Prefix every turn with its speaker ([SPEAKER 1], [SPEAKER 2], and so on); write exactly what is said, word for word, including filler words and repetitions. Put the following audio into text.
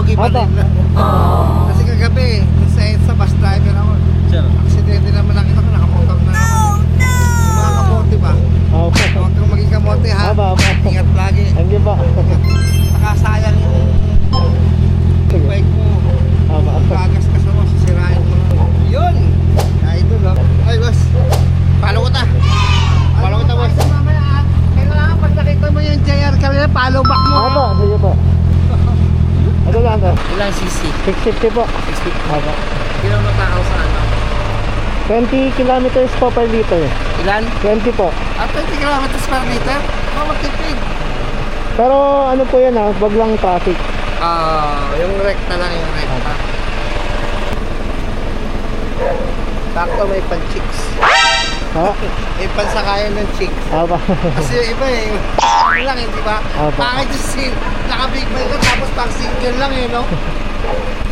[SPEAKER 1] iba
[SPEAKER 2] Aba.
[SPEAKER 1] din. Kasi kagabi, dun sa EDSA, bus driver ako.
[SPEAKER 3] Sir.
[SPEAKER 1] Aksidente naman nakita ko, nakamotor na naman. Yung mga kamote ba?
[SPEAKER 2] Opo.
[SPEAKER 1] Huwag kang maging kamote ha.
[SPEAKER 2] Aba, aba.
[SPEAKER 1] Ingat lagi.
[SPEAKER 2] Thank you po.
[SPEAKER 1] Nakasayang yung
[SPEAKER 2] Sige.
[SPEAKER 1] bike mo.
[SPEAKER 2] Aba, aba.
[SPEAKER 1] Gagas ka sa mo, sisirain mo. Yun! Idol oh. Ay boss, follow ko ta. Follow ko ta boss. Mamaya ah. Kailangan pag nakita mo yung J R kanina, follow back mo.
[SPEAKER 2] Aba, sige po. Ito lang to.
[SPEAKER 3] Ilang cc?
[SPEAKER 2] six fifty po.
[SPEAKER 3] six fifty.
[SPEAKER 2] Aba.
[SPEAKER 3] Ilang matakaw sa ano?
[SPEAKER 2] twenty kilometers po per liter.
[SPEAKER 3] Ilan?
[SPEAKER 2] twenty po.
[SPEAKER 1] At twenty kilometers per liter, oh, magtipid.
[SPEAKER 2] Pero ano po yan ha, wag lang traffic.
[SPEAKER 1] Ah, yung recta lang yung recta. Sakto may pan-chicks.
[SPEAKER 2] Ha?
[SPEAKER 1] May pansakayan ng chicks.
[SPEAKER 2] Aba.
[SPEAKER 1] Kasi yung iba eh, ano lang eh, di ba?
[SPEAKER 2] Opo.
[SPEAKER 1] Bakit yung sin, naka-big bike ka tapos pang single lang eh, no?